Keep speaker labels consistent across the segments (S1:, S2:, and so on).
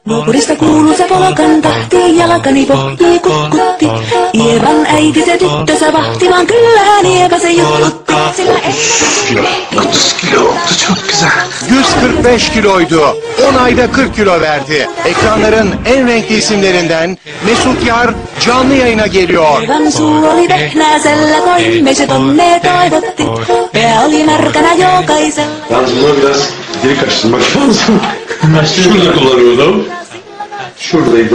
S1: Nuokurista kuului se polkan tahti, jalkani pohjii kutkutti. Ievan äiti se tyttönsä vahti, vaan kyllähän Ieva se juttutti. Sillä ei...
S2: 30 kilo oldu, çok güzel.
S3: 145 kiloydu. 10 ayda 40 kilo verdi. Ekranların en renkli isimlerinden Mesut Yar canlı yayına geliyor.
S1: Ievan suu oli vehnäisellä, koimmiset onnea toivotti. Pää oli märkänä jokaisella.
S2: Yalnız buna biraz diri karıştırmak lazım. Şurada kullanıyordum. Şuradaydı.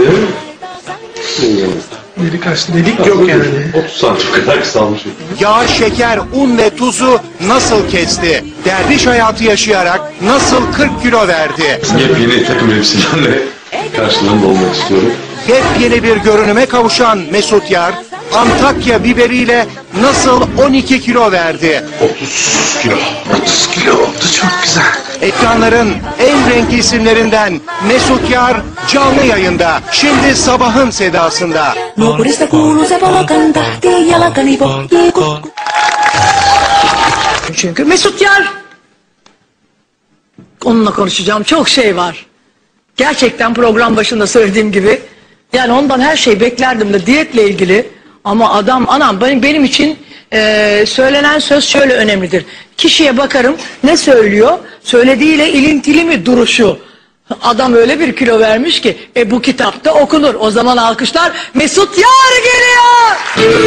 S4: Deri kaçtı, delik yok yani.
S2: 30 santim kadar kısalmışım.
S3: Yağ, şeker, un ve tuzu nasıl kesti? Derviş hayatı yaşayarak nasıl 40 kilo verdi?
S2: Yepyeni takım elbiselerle karşılarında olmak istiyorum.
S3: Yepyeni bir görünüme kavuşan Mesut Yar, Antakya biberiyle nasıl 12 kilo verdi?
S2: 30 kilo. 30 kilo oldu, çok güzel.
S3: Ekranların en renkli isimlerinden Mesut Yar canlı yayında. Şimdi sabahın sedasında.
S1: Nuokurista kuului se polkan tahti, jalkani pohjii kutkutti.
S5: Çünkü Mesut Yar. Onunla konuşacağım çok şey var. Gerçekten program başında söylediğim gibi. Yani ondan her şeyi beklerdim de diyetle ilgili. Ama adam anam benim için söylenen söz şöyle önemlidir. Kişiye bakarım ne söylüyor? Söylediğiyle ilintili mi duruşu? Adam öyle bir kilo vermiş ki bu kitapta okunur. O zaman alkışlar Mesut Yar geliyor.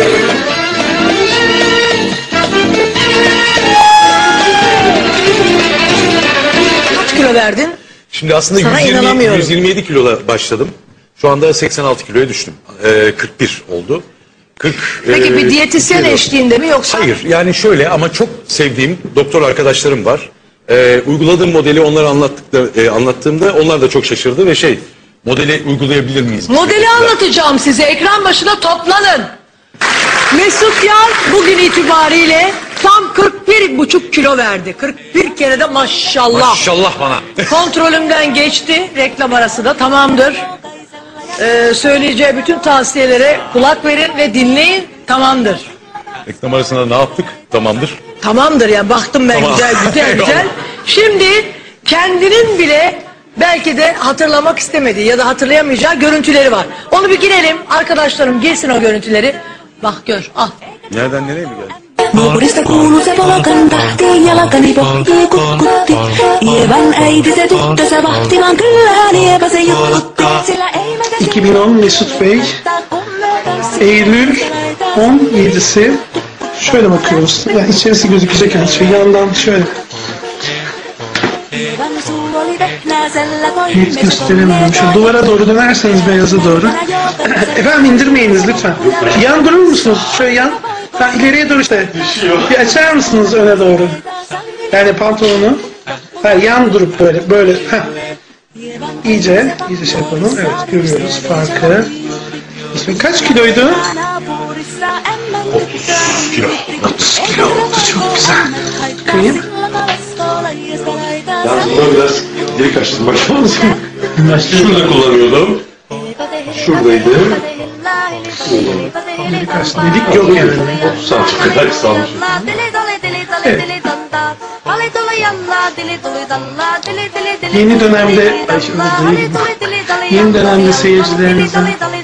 S5: Kaç kilo verdin?
S6: Şimdi aslında
S5: Sana
S6: 127 kilola başladım. Şu anda 86 kiloya düştüm. 41 oldu. 40.
S5: Peki bir diyetisyen eşliğinde mi yoksa?
S6: Hayır, yani şöyle ama çok sevdiğim doktor arkadaşlarım var. Uyguladığım modeli onlara anlattığımda onlar da çok şaşırdı ve modeli uygulayabilir miyiz?
S5: Modeli anlatacağım size. Ekran başına toplanın. Mesut Yar bugün itibariyle tam 41,5 kilo verdi. 41 kere de maşallah.
S6: Maşallah bana.
S5: Kontrolümden geçti. Reklam arası da tamamdır. Söyleyeceği bütün tavsiyelere kulak verin ve dinleyin. Tamamdır.
S6: Reklam arasında ne yaptık? Tamamdır.
S5: Tamamdır ya, baktım ben
S6: Tamam.
S5: güzel. Şimdi kendinin bile belki de hatırlamak istemediği ya da hatırlayamayacağı görüntüleri var. Onu bir girelim. Arkadaşlarım girsin o görüntüleri. Bak gör, al.
S6: Nereden nereye mi geldi?
S1: Nuokurista kuului se polkan tahti, jalkani pohjii kutkutti. Ievan äiti se tyttönsä vahti, vaan kyllähän Ieva se juttutti. Sillä ei meitä
S4: 2010 Mesut Bey, Eylül 17'si. Şöyle bakıyoruz. Yani içerisi gözükecek her şey. Yandan şöyle.
S1: Ievan suu oli vehnäisellä,
S4: Net
S1: koimmiset
S4: gösteremiyorum. Şu duvara doğru dönerseniz beyaza doğru. Efendim indirmeyiniz lütfen. Yan durur musunuz? Şöyle yan. Ha, ileriye doğru işte. Bir açar mısınız öne doğru? Yani pantolonu. Ha, yan durup böyle. Ha. İyice şey yapalım. Evet, görüyoruz farkı. İsmi kaç kiloydu?
S2: 30 kilo. 30 kilo oldu, çok güzel.
S4: Bakayım.
S2: Yalnız buna biraz diri karıştırmak lazım. Şurada kullanıyordum. Şuradaydı.
S4: Deri kaçtı, delik yok yani.
S2: 30 santim kadar kısalmışım.
S4: Yeni dönemde, yeni dönemde seyircilerimizin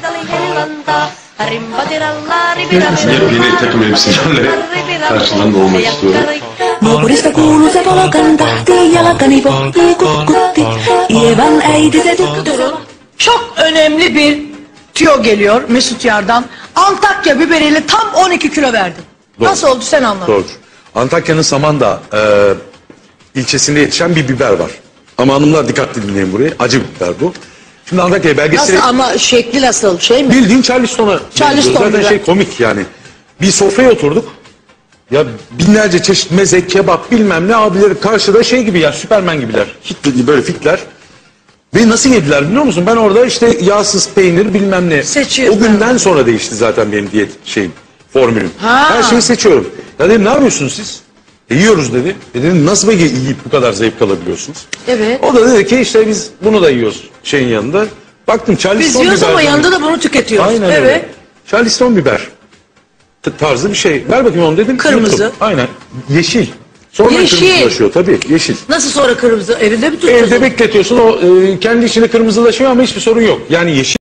S2: Yepyeni takım elbiselerle karşılarında olmak istiyorum.
S1: Nuokurista kuului se polkan tahti, jalkani pohjii kutkutti. Ievan äiti se tyttönsä...
S5: Çok önemli bir tüyo geliyor Mesut Yar'dan. Antakya biberiyle tam 12 kilo verdi.
S6: Doğru.
S5: Nasıl oldu sen anlat.
S6: Doğrudur. Antakya'nın Samandağ ilçesinde yetişen bir biber var. Ama hanımlar dikkatli dinleyin burayı. Acı biber bu. Şimdi Antakya belgeseli...
S5: Nasıl ama şekli nasıl şey mi?
S6: Bildiğin Charleston'a.
S5: Charleston
S6: Zaten
S5: biber.
S6: komik yani. Bir sofraya oturduk. Ya binlerce çeşit meze, kebap bilmem ne abileri karşıda gibi ya Süpermen gibiler. Böyle fitler. Ve nasıl yediler biliyor musun? Ben orada işte yağsız peynir bilmem ne.
S5: Seçiyorsun.
S6: O günden sonra değişti zaten benim diyet formülüm.
S5: Ha.
S6: Her şeyi seçiyorum. Ya dedim ne yapıyorsunuz siz? Yiyoruz dedi. Dedim nasıl yiyip bu kadar zevk alabiliyorsunuz?
S5: Evet.
S6: O da dedi ki işte biz bunu da yiyoruz yanında. Baktım Charleston
S5: Biz yiyoruz
S6: biber
S5: ama
S6: dedi.
S5: yanında da bunu tüketiyoruz.
S6: Aynen
S5: evet.
S6: öyle. Charleston biber tarzı bir şey. Ver bakayım onu dedim.
S5: Kırmızı.
S6: Yuttum. Aynen. Yeşil. Sonra
S5: Yeşil.
S6: kırmızılaşıyor tabii, yeşil.
S5: Nasıl sonra kırmızı? Evinde mi tutuyorsun?
S6: Evde bekletiyorsun, o kendi içinde kırmızılaşıyor ama hiçbir sorun yok. Yani yeşil